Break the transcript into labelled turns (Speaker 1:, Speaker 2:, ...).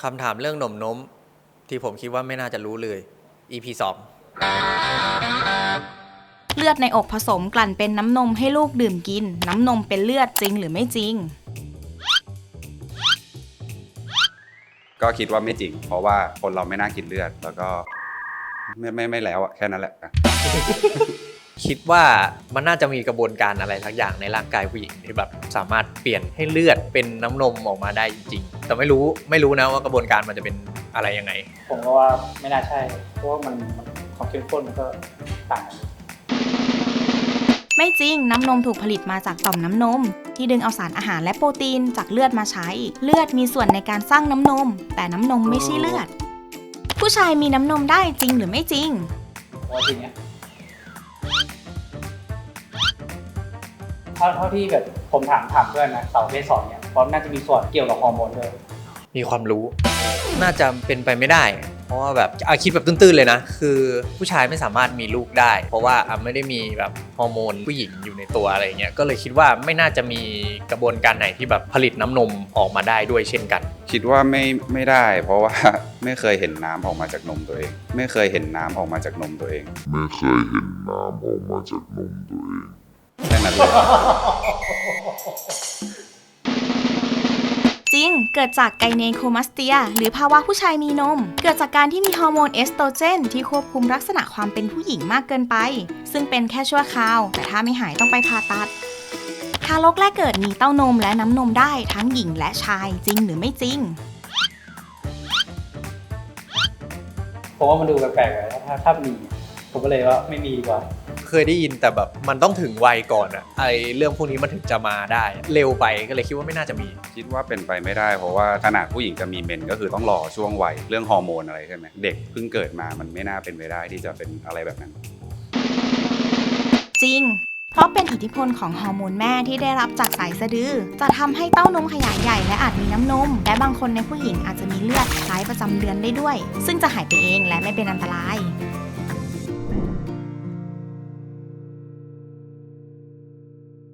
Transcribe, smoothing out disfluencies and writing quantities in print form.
Speaker 1: คำถามเรื่องหนมน้มที่ผมคิดว่าไม่น่าจะรู้เลย EP 2
Speaker 2: เลือดในอกผสมกลั่นเป็นน้ำนมให้ลูกดื่มกินน้ำนมเป็นเลือดจริงหรือไม่จริง
Speaker 3: ก็คิดว่าไม่จริงเพราะว่าคนเราไม่น่ากินเลือดแล้วก็ไม่แล้วอะแค่นั้นแหละ
Speaker 1: คิดว่ามันน่าจะมีกระบวนการอะไรสักอย่างในร่างกายผู้หญิงที่แบบสามารถเปลี่ยนให้เลือดเป็นน้ำนมออกมาได้จริงๆแต่ไม่รู้นะว่ากระบวนการมันจะเป็นอะไรยังไง
Speaker 4: ผมก็ว่าไม่น่าใช่เพราะว่ามันความเข้มข้นมันก็ต่างกัน
Speaker 2: ไม่จริงน้ำนมถูกผลิตมาจากต่อมน้ำนมที่ดึงเอาสารอาหารและโปรตีนจากเลือดมาใช้เลือดมีส่วนในการสร้างน้ำนมแต่น้ำนมไม่ใช่เลือดผู้ชายมีน้ำนมได้จริงหรือไม่จริง
Speaker 4: เพราะจริงเนี่ยเท่าที่แบบผมถามเพื่อนนะสาวประเภท2เนี่ยเพราะน่าจะมีส่วนเกี่ยวกับฮอร์โมนด้วย
Speaker 1: มีความรู้น่าจะเป็นไปไม่ได้เพราะว่าแบบคิดแบบตื้นๆเลยนะคือผู้ชายไม่สามารถมีลูกได้เพราะว่าไม่ได้มีแบบฮอร์โมนผู้หญิงอยู่ในตัวอะไรเงี้ยก็เลยคิดว่าไม่น่าจะมีกระบวนการไหนที่แบบผลิตน้ำนมออกมาได้ด้วยเช่นกัน
Speaker 3: คิดว่าไม่ได้เพราะว่าไม่เคยเห็นน้ำออกมาจากนมตัวเองไม่เคยเห็นน้ำออกมาจากนมตัวเอง
Speaker 5: ไม่เคยเห็นน้ำออกมาจากนมตัวเอง
Speaker 3: แค่นั้นเลย
Speaker 2: จริงเกิดจากไกเนโคมาสเตียหรือภาวะผู้ชายมีนมเกิดจากการที่มีฮอร์โมนเอสโตรเจนที่ควบคุมลักษณะความเป็นผู้หญิงมากเกินไปซึ่งเป็นแค่ชั่วคราวแต่ถ้าไม่หายต้องไปผ่าตัดทารกแรกเกิดมีเต้านมและน้ำนมได้ทั้งหญิงและชายจริงหรือไม่จริง
Speaker 4: ผมว่ามันดูแปลกๆเลยถ้ามีผมก็เลยว่าไม่มีดีกว่า
Speaker 1: เคยได้ยินแต่แบบมันต้องถึงวัยก่อนอะเรื่องพวกนี้มันถึงจะมาได้เร็วไปก็เลยคิดว่าไม่น่าจะมี
Speaker 3: คิดว่าเป็นไปไม่ได้เพราะว่าขนาดผู้หญิงจะมีเมนก็คือต้องรอช่วงวัยเรื่องฮอร์โมนอะไรใช่ไหมเด็กเพิ่งเกิดมามันไม่น่าเป็นไปได้ที่จะเป็นอะไรแบบนั้น
Speaker 2: จริงเพราะเป็นอิทธิพลของฮอร์โมนแม่ที่ได้รับจากสายสะดือจะทำให้เต้านมขยายใหญ่และอาจมีน้ำนมและบางคนในผู้หญิงอาจจะมีเลือดคล้ายประจำเดือนได้ด้วยซึ่งจะหายไปเองและไม่เป็นอันตราย